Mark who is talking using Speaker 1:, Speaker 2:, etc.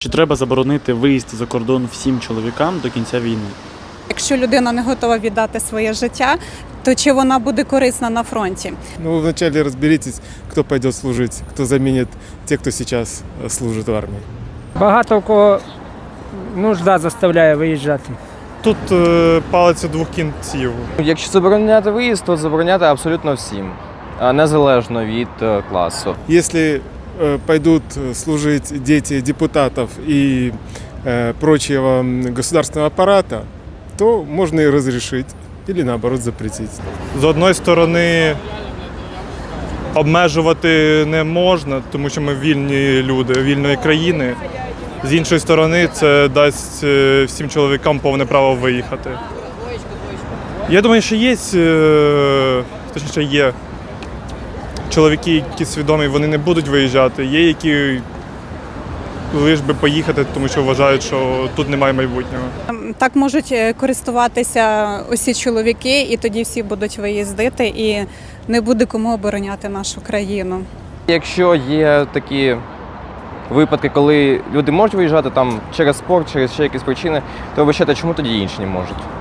Speaker 1: Чи треба заборонити виїзд за кордон всім чоловікам до кінця війни?
Speaker 2: Якщо людина не готова віддати своє життя, то чи вона буде корисна на фронті?
Speaker 3: Ну, вначале разберитесь, кто пойдет служить, кто заменит тех, кто сейчас служит в армии.
Speaker 4: Багато в кого нужда заставляє виїжджати.
Speaker 5: Тут палиця двох кінців.
Speaker 6: Якщо забороняти виїзд, то забороняти абсолютно всім, незалежно від класу.
Speaker 3: Если пойдут служить дети депутатов и прочего государственного аппарата, то можно и разрешить или наоборот запретить.
Speaker 5: З одної сторони, обмежувати не можна, тому що ми вільні люди, вільної країни. З іншої сторони, це дасть всім чоловікам повне право виїхати. Я думаю, що є чоловіки, які свідомі, вони не будуть виїжджати. Є, які лиш би поїхати, тому що вважають, що тут немає майбутнього.
Speaker 2: Так можуть користуватися усі чоловіки, і тоді всі будуть виїздити, і не буде кому обороняти нашу країну.
Speaker 6: Якщо є такі випадки, коли люди можуть виїжджати там через спорт, через ще якісь причини, то вибачайте, чому тоді інші не можуть?